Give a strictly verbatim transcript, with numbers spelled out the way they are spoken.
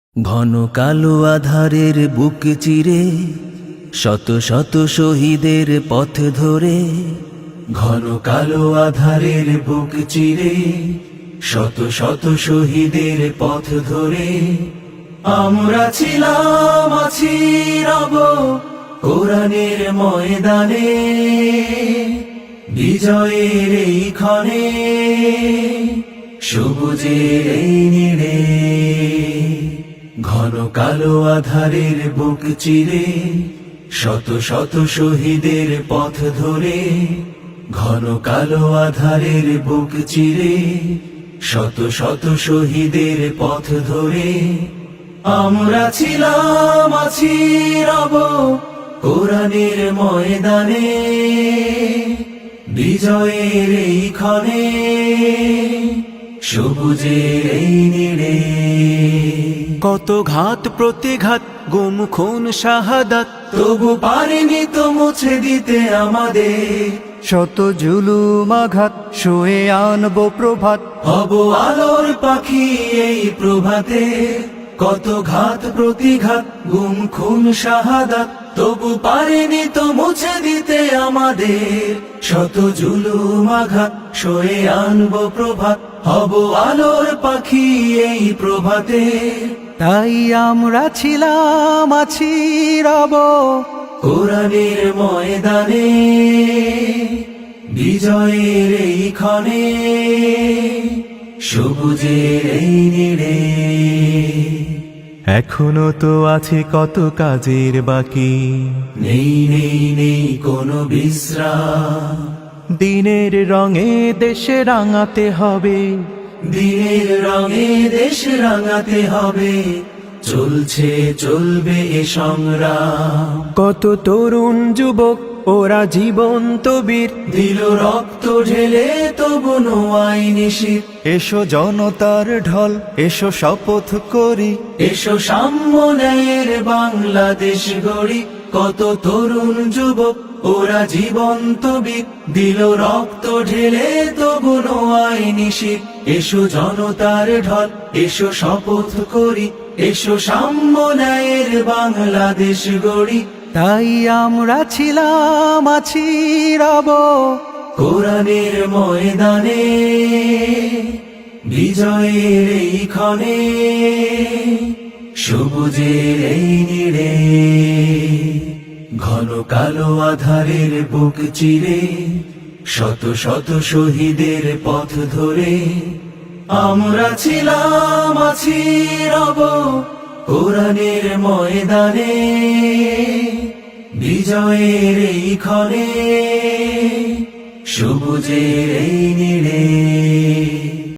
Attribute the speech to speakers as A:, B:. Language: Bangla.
A: ঘন কালো আধারের বুক চিরে শত শত শহীদের পথ ধরে, ঘন কালো আধারের বুক চিরে শত শত শহীদের পথ ধরে আমরা ছিলাম আছি রব কোরআনের ময়দানে, বিজয়ের এই ক্ষণে সবুজের এই নীড়ে। ঘন কালো আধারের বুক চিরে শত শত শহীদের পথ ধরে, ঘন কালো আধারের বুক চিরে শত শত শহীদের পথ ধরে আমরা ছিলাম আছি রব কোরআনের ময়দানে, বিজয়ের এই ক্ষণে সবুজের এই নীড়ে।
B: কত ঘাত প্রতিঘাত গুম খুন শাহাদাত,
A: তবু পারিনি তো মুছে দিতে আমাদের
B: শত জুলুম আঘাত শুয়ে আনবো প্রভাত।
A: হব আলোর পাখি এই প্রভাতে, কত ঘাত প্রতিঘাত গুম খুন শাহাদাত, তবু পারিনি তো মুছে দিতে আমাদের শত জুলুম আঘাত সয়ে আনবো প্রভাত। হব আলোর পাখি এই প্রভাতে,
B: তাই আমরা ছিলাম আছি রব
A: কোরআনের ময়দানে, বিজয়ের এই ক্ষণে সবুজের এই নীড়ে।
B: এখনো তো আছে কত কাজের বাকি,
A: নেই নেই নেই কোনো বিশ্রাম,
B: দিনের রঙে দেশে রাঙাতে হবে,
A: দিনের রঙে দেশ রাঙাতে হবে, চলছে চলবে এ সংগ্রাম।
B: কত তরুণ যুবক ওরা জীবন্ত বীর,
A: দিল রক্ত ঢেলে তবু নোয়াই নিশির।
B: এসো জনতার ঢল এসো শপথ করি,
A: এসো সাম্য ন্যায়ের বাংলাদেশ গড়ি। কত তরুণ যুবক ওরা জীবন্ত বীর, দিল রক্ত ঢেলে তবু নোয়াই নিশির। এসো জনতার ঢল এসো শপথ করি, এসো সাম্য ন্যায়ের বাংলাদেশ গড়ি।
B: তাই আমরা ছিলাম আছি রব
A: কোরআনের ময়দানে, বিজয়ের এই ক্ষণে সবুজের এই নীড়ে। ঘন কালো আধারের বুক চিরে শত শত শহীদের পথ ধরে আমরা ছিলাম আছি রব কোরআনের ময়দানে, বিজয়ের এই ক্ষণে সবুজের এই নীড়ে।